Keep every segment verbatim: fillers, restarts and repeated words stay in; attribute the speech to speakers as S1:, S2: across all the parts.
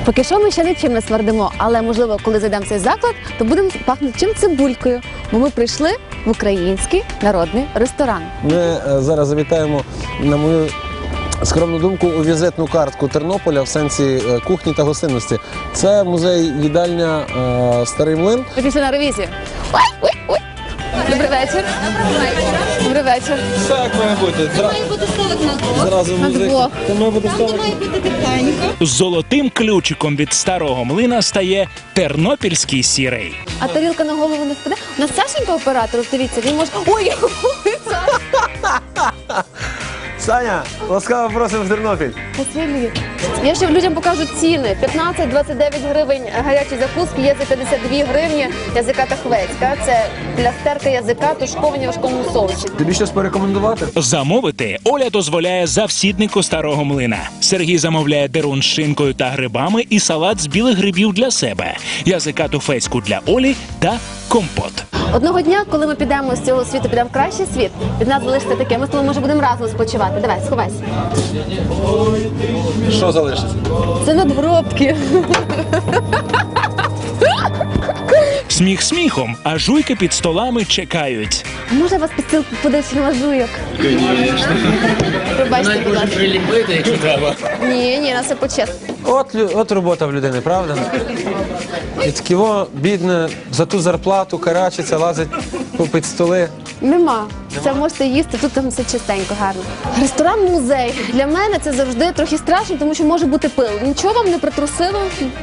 S1: Поки що ми ще нічим не смердимо, але, можливо, коли зайдемо в цей заклад, то будемо пахнути чим цибулькою, бо ми прийшли в український народний ресторан.
S2: Ми е, зараз завітаємо, на мою скромну думку, у візитну картку Тернополя в сенсі е, кухні та гостинності. Це музей-їдальня е, Старий Млин.
S1: Ми пішли на ревізію. Ой, ой, ой. Добрий вечір. Добрий вечір.
S2: Так має бути. Зра...
S3: Має бути столик на двох.
S2: Зразу
S1: На
S2: музей.
S1: двох.
S2: Це має бути
S3: Там
S2: столик.
S3: має бути тихенько.
S4: Золотим ключиком від Старого Млина стає тернопільський сірий.
S1: А тарілка на голову не впаде? У нас Сашенька оператор, дивіться, він може... Ой,
S2: Саня, ласкаво просимо в Тернопіль.
S1: Василій, я ще людям покажу ціни. п'ятнадцять - двадцять дев'ять гривень гарячі закуски, є за п'ятдесят дві гривні язика та хвецька. Це плястерка язика, тушковані в важкому соусі.
S2: Тобі щось порекомендувати?
S4: Замовити Оля дозволяє завсіднику Старого Млина. Сергій замовляє дерун з шинкою та грибами і салат з білих грибів для себе, язика туфецьку для Олі та компот.
S1: Одного дня, коли ми підемо з цього світу, підемо в кращий світ, від нас залишиться таке, ми з тобою, може, будемо разом спочивати. Давай, сховайся.
S2: Що залишиться?
S1: Це надгробки.
S4: Сміх сміхом, а жуйки під столами чекають.
S1: А може я вас підстилку подивитися жуйок? Звісно. Пробачте, будь ласка.
S5: Приліпити, якщо треба.
S1: Ні, ні, на все по-чесному.
S2: От, лю- от робота в людини, правда? І такі во, бідне, за ту зарплату карачиться, лазить під столи.
S1: Нема. Це можете їсти, тут там все чистенько, гарно. Ресторан-музей. Для мене це завжди трохи страшно, тому що може бути пил. Нічого вам не притрусило?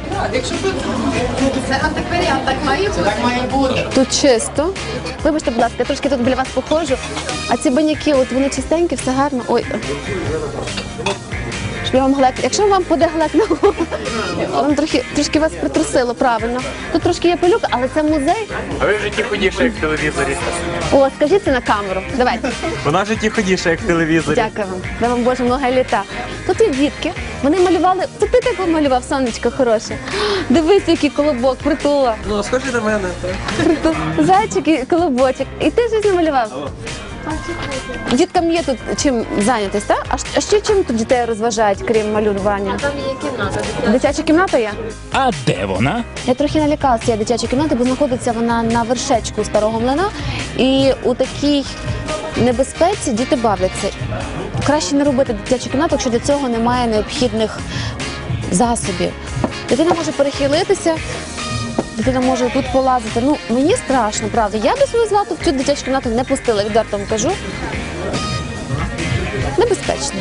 S3: Це антикваріат, так має бути. Так має бути.
S1: Тут чисто. Вибачте, будь ласка, я трошки тут біля вас походжу. А ці баняки, от вони чистенькі, все гарно. Ой. Щоб я вам глек... Якщо вам буде глек на голову, вам трохи, трошки вас притрусило, правильно. Тут трошки є пилюка, але це музей.
S6: А ви в житті ходіше, як в телевізорі.
S1: О, скажіть це на камеру. Давайте.
S6: Вона в житті ходіше, як в телевізорі.
S1: Дякую вам. Дай вам Боже много літа. Тут є дітки. Вони малювали. Це ти так малював, сонечко хороше. Дивись, який колобок, притула.
S2: Ну, схожі на мене.
S1: Притул. Зайчик і колобочок. І ти щось намалював? Діткам є тут чим зайнятись, так? А щ- А ще чим тут дітей розважають, крім малювання?
S3: Там є кімната.
S1: Дитяча кімната є?
S4: А де вона?
S1: Я трохи налякалася цієї дитячої кімнати, бо знаходиться вона на вершечку Старого Млина. І у такій небезпеці діти бавляться. Краще не робити дитячу кімнату, якщо для цього немає необхідних засобів. Дитина може перехилитися, дитина може тут полазити. Ну, мені страшно, правда. Я би свою злату в цю дитячу кімнату не пустила, відверто вам кажу. Небезпечно.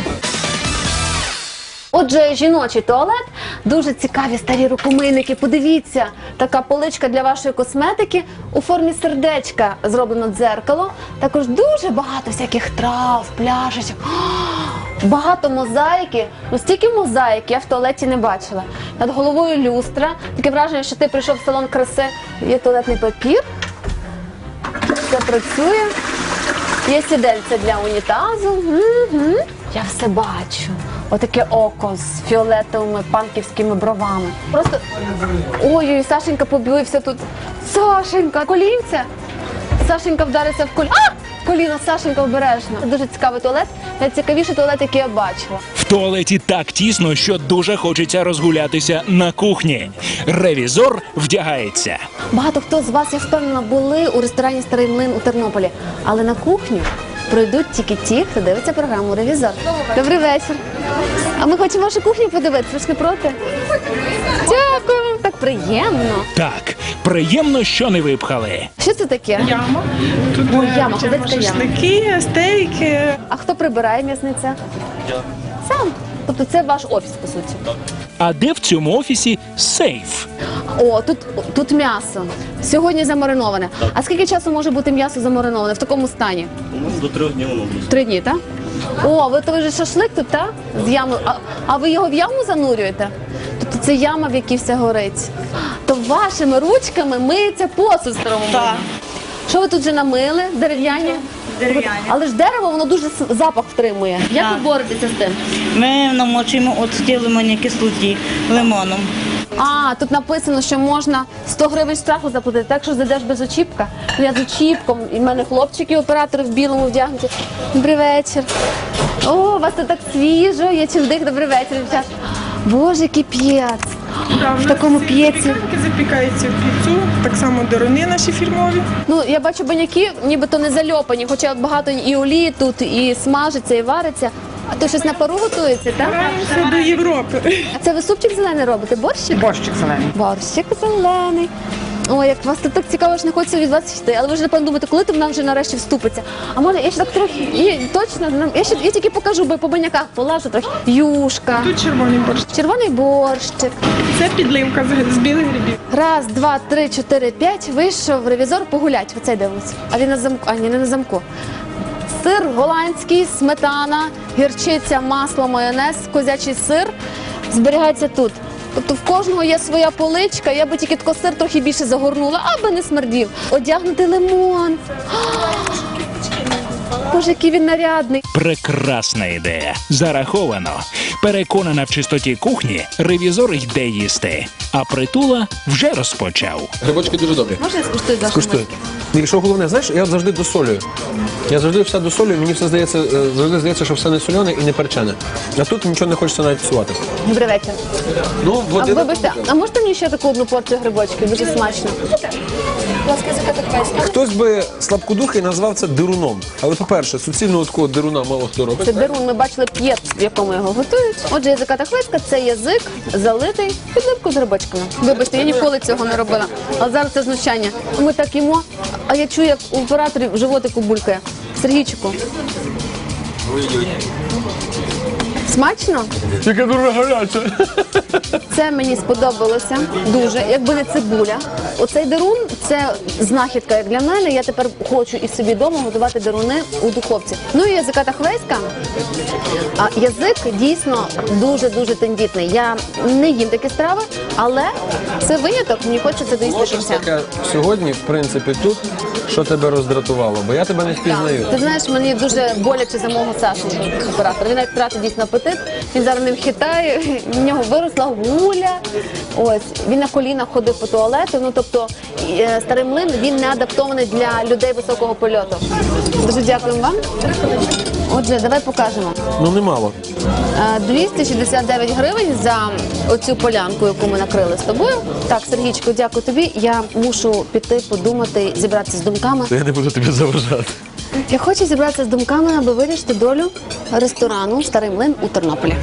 S1: Отже, жіночий туалет, дуже цікаві старі рукомийники. Подивіться, така поличка для вашої косметики у формі сердечка зроблено дзеркало. Також дуже багато всяких трав, пляшечок. Багато мозаїки. Ну, стільки мозаїки я в туалеті не бачила. Над головою люстра. Таке враження, що ти прийшов в салон краси. Є туалетний папір. Все працює. Є сідельце для унітазу. Угу. Я все бачу. Отаке око з фіолетовими панківськими бровами. Просто ой-ой, Сашенька побився тут. Сашенька, колінця. Сашенька вдариться в коліно. А! Коліно, Сашенька, обережно. Дуже цікавий туалет. Найцікавіший туалет, який я бачила.
S4: В туалеті так тісно, що дуже хочеться розгулятися на кухні. Ревізор вдягається.
S1: Багато хто з вас, я впевнена, були у ресторані «Старий Млин» у Тернополі. Але на кухню пройдуть тільки ті, хто дивиться програму «Ревізор». Добрий вечір. А ми хочемо вашу кухню подивитися, ви ж не проти? Дякую вам, так приємно.
S4: Так, приємно, що не випхали.
S1: Що це таке?
S7: Яма. Тут
S1: Ой,
S7: е,
S1: яма,
S7: жаримо
S1: ходить яма.
S7: шашлики, стейки.
S1: А хто прибирає м'ясниця? Я. Сам. Тобто це ваш офіс, по суті?
S4: А де в цьому офісі сейф?
S1: О, тут, тут м'ясо. Сьогодні замариноване. А скільки часу може бути м'ясо замариноване в такому стані?
S5: До трьох днів воно буде.
S1: Три дні, так? О, ви то ви ж шашлик тут, так? З ями. А, а ви його в яму занурюєте? Тобто це яма, в якій все горить. То вашими ручками миється посуд в Старому Млині?
S7: Так.
S1: Що ви тут вже намили? Дерев'яні?
S7: Дерев'яні.
S1: Але ж дерево, воно дуже с- запах втримує. Як ви боретеся з тим?
S8: Ми намочуємо от в тій лимонній кислоті лимоном.
S1: А, тут написано, що можна сто гривень штрафу заплатити, так що зайдеш без очіпка. Ну, я з очіпком, і в мене хлопчики, оператори в білому вдягнуті. Добрий вечір. О, у вас тут так свіжо, є чим дих. Добрий вечір, дівчат. Боже, який п'єц. в такому п'єці.
S7: Кремики запікаються в піцу, так само деруни наші фірмові.
S1: Ну, я бачу баняки, нібито не зальопані, хоча от багато і олії тут, і смажиться, і вариться. А то щось на пару готується, так?
S7: Це до Європи.
S1: А це ви супчик зелений робите? Борщик?
S6: Борщик зелений.
S1: Борщик зелений. Ой, як вас тут так цікаво, ж не хочеться від вас йти. Але ви ж напевно думаєте, коли там нам вже нарешті вступиться. А може, я ще так трохи, і, точно, нам- я ще я тільки покажу, бо по баняках полажу трохи. Юшка,
S7: Тут червоний борщ.
S1: червоний борщик.
S7: Це підливка з, з білих грибів.
S1: Раз, два, три, чотири, п'ять. Вийшов ревізор погулять. Оцей дивись. А він на замку. А ні, не на замку. Сир голландський, сметана, гірчиця, масло, майонез, козячий сир зберігається тут. Тобто в кожного є своя поличка, я би тільки тако сир трохи більше загорнула, аби не смердів. Одягнути лимон. Боже, який він нарядний.
S4: Прекрасна ідея. Зараховано. Переконана в чистоті кухні, ревізор йде їсти. А Притула вже розпочав.
S2: Грибочки дуже добрі.
S1: Можна я скуштую за
S2: Скуштуй. І що головне, знаєш, я завжди досолюю. Я завжди все досолюю, мені все здається, е, завжди здається, що все не соляне і не перчене. А тут нічого не хочеться навіть псувати.
S1: Добрий вечір.
S2: Ну,
S1: А
S2: води
S1: вибачте, а можете мені ще таку одну порцію грибочків? Дуже смачно.
S2: Хтось би слабкодухий назвав це дируном. Але, по-перше, суцільного такого дируна мало хто робить.
S1: Це дерун, ми бачили п'єт, в якому його готують. Отже, язика хвиська – це язик залитий підливку з грибочками. Вибачте, я ніколи цього не робила. Але зараз це знущання. Ми так їмо, а я чую, як у операторів в животику булькає. Сергійчику. Смачно?
S2: Тільки дуже гаряче.
S1: Це мені сподобалося дуже, якби не цибуля. Оцей дерун – це знахідка як для мене. Я тепер хочу і собі вдома готувати деруни у духовці. Ну і язика хвиська. А язик дійсно дуже-дуже тендітний. Я не їм такі страви, але це виняток, мені хочеться доїсти
S2: Може
S1: кінця.
S2: таке сьогодні, в принципі, тут, що тебе роздратувало, бо я тебе не впізнаю.
S1: Ти знаєш, мені дуже боляче за мого Сашеньку, оператора. Він навіть втратив дійсно апетит, він зараз ним хитає, в нього виросла гуля. Ось, він на колінах ходив по туалету, ну тобто е, старий млин, він не адаптований для людей високого польоту. Дуже дякуємо вам. Отже, давай покажемо.
S2: Ну, немало.
S1: Е, двісті шістдесят дев'ять гривень за оцю полянку, яку ми накрили з тобою. Так, Сергійчику, дякую тобі. Я мушу піти, подумати, зібратися з думками.
S2: Я не буду тобі заважати.
S1: Я хочу зібратися з думками, аби вирішити долю ресторану «Старий млин» у Тернополі.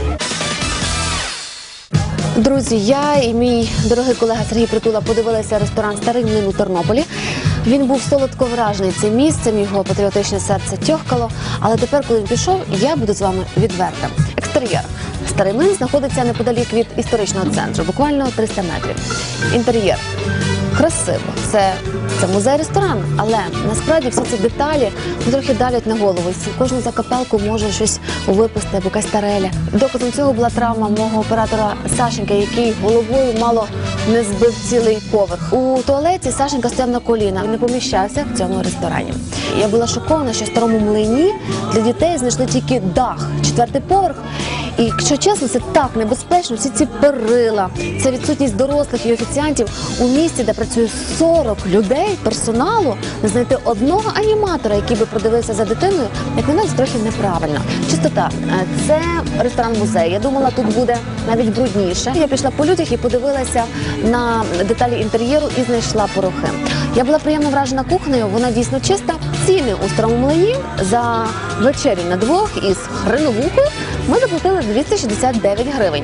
S1: Друзі, я і мій дорогий колега Сергій Притула подивилися ресторан «Старий млин» у Тернополі. Він був солодко вражений цим місцем, його патріотичне серце тьохкало. Але тепер, коли він пішов, я буду з вами відверта. Екстер'єр. «Старий млин» знаходиться неподалік від історичного центру, буквально триста метрів. Інтер'єр. Красиво. Це, це музей-ресторан, але насправді всі ці деталі ну, трохи давлять на голову. І кожну закапелку може щось випасти, або якась тареля. Доказом цього була травма мого оператора Сашенька, який головою мало не збив цілий поверх. У туалеті Сашенька стояв на колінах і не поміщався в цьому ресторані. Я була шокована, що в старому млині для дітей знайшли тільки дах, четвертий поверх. І, якщо чесно, це так небезпечно, всі ці перила, це відсутність дорослих і офіціантів у місті, де працює сорок людей, персоналу, не знайти одного аніматора, який би продивився за дитиною, як на нас трохи неправильно. Чистота. Це ресторан-музей. Я думала, тут буде навіть брудніше. Я пішла по людях і подивилася на деталі інтер'єру і знайшла порохи. Я була приємно вражена кухнею, вона дійсно чиста. Ціни у старому млині за вечерю на двох із хреновухою ми заплатили двісті шістдесят дев'ять гривень.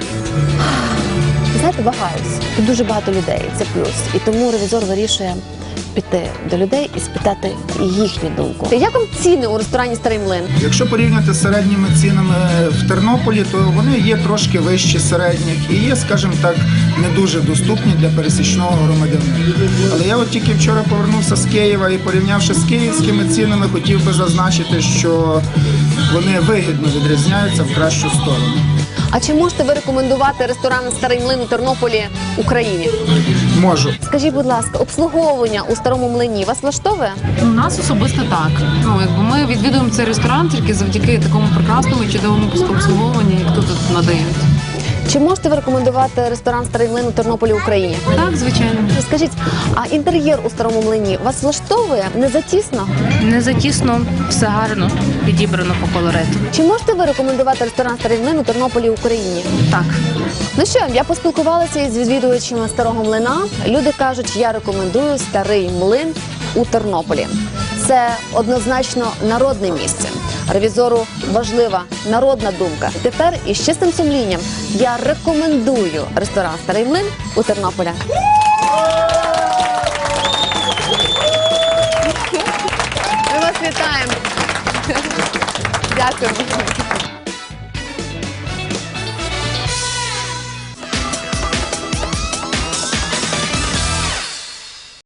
S1: Знаєте, вагаюсь. Тут дуже багато людей, це плюс. І тому ревізор вирішує піти до людей і спитати їхню думку. Як вам ціни у ресторані «Старий млин»?
S9: Якщо порівняти з середніми цінами в Тернополі, то вони є трошки вищі середніх і є, скажімо так, не дуже доступні для пересічного громадянина. Але я от тільки вчора повернувся з Києва і, порівнявши з київськими цінами, хотів би зазначити, що вони вигідно відрізняються в кращу сторону.
S1: А чи можете ви рекомендувати ресторан «Старий млин» у Тернополі Україні?
S9: Можу.
S1: Скажіть, будь ласка, обслуговування у старому млині вас влаштовує?
S10: У нас особисто так. Ну, якби ми відвідуємо цей ресторан тільки завдяки такому прекрасному і чудовому обслуговуванню, як тут надають.
S1: Чи можете ви рекомендувати ресторан «Старий млин» у Тернополі, Україні?
S10: Так, звичайно.
S1: Скажіть, а інтер'єр у Старому млині вас влаштовує? Не затісно?
S10: Не затісно, все гарно, підібрано по колориту.
S1: Чи можете ви рекомендувати ресторан «Старий млин» у Тернополі, Україні?
S10: Так.
S1: Ну що, я поспілкувалася із відвідувачами Старого млина. Люди кажуть, я рекомендую Старий млин у Тернополі. Це однозначно народне місце. Ревізору важлива народна думка. Тепер із чистим сумлінням я рекомендую ресторан «Старий млин» у Тернополі. Ми вас вітаємо. Дякую.